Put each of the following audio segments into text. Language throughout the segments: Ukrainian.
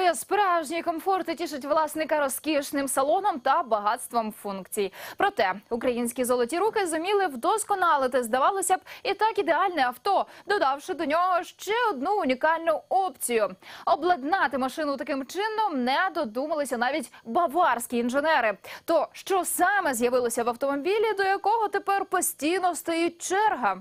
Але справжній комфорт тішить власника розкішним салоном та багатством функцій. Проте українські золоті руки зуміли вдосконалити, здавалося б, і так ідеальне авто, додавши до нього ще одну унікальну опцію. Обладнати машину таким чином не додумалися навіть баварські інженери. То що саме з'явилося в автомобілі, до якого тепер постійно стоїть черга?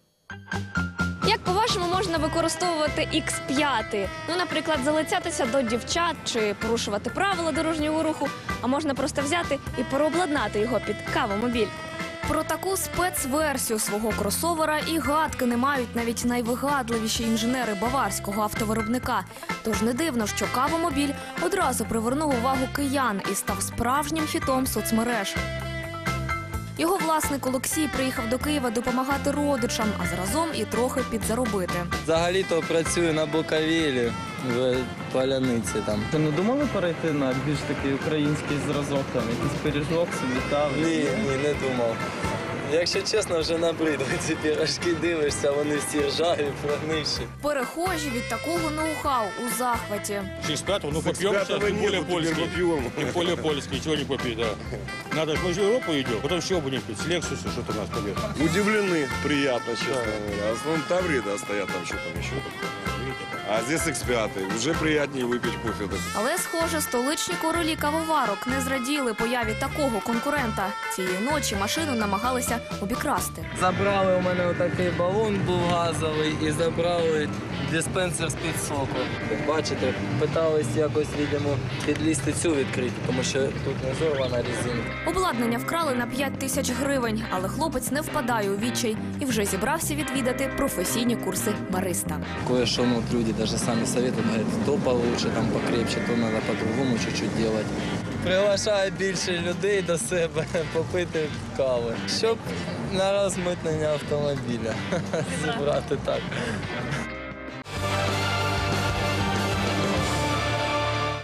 Як, по-вашому, можна використовувати X5? Ну, наприклад, залицятися до дівчат чи порушувати правила дорожнього руху, а можна просто взяти і переобладнати його під кавомобіль. Про таку спецверсію свого кросовера і гадки не мають навіть найвигадливіші інженери баварського автовиробника. Тож не дивно, що кавомобіль одразу привернув увагу киян і став справжнім хітом соцмереж. Його власник Олексій приїхав до Києва допомагати родичам, а заразом і трохи підзаробити. Взагалі-то працюю на Буковелі, в Поляниці там. Ти не думали перейти на більш такий український зразок, там якийсь пиріжок собі там? Ні, не думав. Якщо чесно, вже набридли ці пірожки, дивишся, вони всі ржаві, прогнивші. Перехожі від такого ноу-хау у захваті. 65-го, ну попьем сейчас, тем более польский. Тем более польский, ничего не попить, да. Надо, мы же в Европу идем, потом еще будем пить. С Лексуса что-то у нас пойдет. Удивлены, приятно, честно говоря. В основном Таврида стоят там, что там еще такое. А здесь X5, уже приятнее выпить кофе. Але, схоже, столичні королі кавоварок не зраділи появі такого конкурента. Цієї ночі машину намагалися обікрасти. Забрали у мене отакий балон був газовий і забрали диспенсер з-під соку. Бачите, питались якось, видимо, підлізти цю відкрити, тому що тут не зорвана резинка. Обладнання вкрали на 5 тисяч гривень, але хлопець не впадає у відчай і вже зібрався відвідати професійні курси бариста. Кое-что, ну, вот люди даже сами советуют, говорят, то получше, там покрепче, то надо по-другому чуть-чуть делать. Приглашаю більше людей до себе попити кави, щоб на розмитнення автомобіля зібрати так.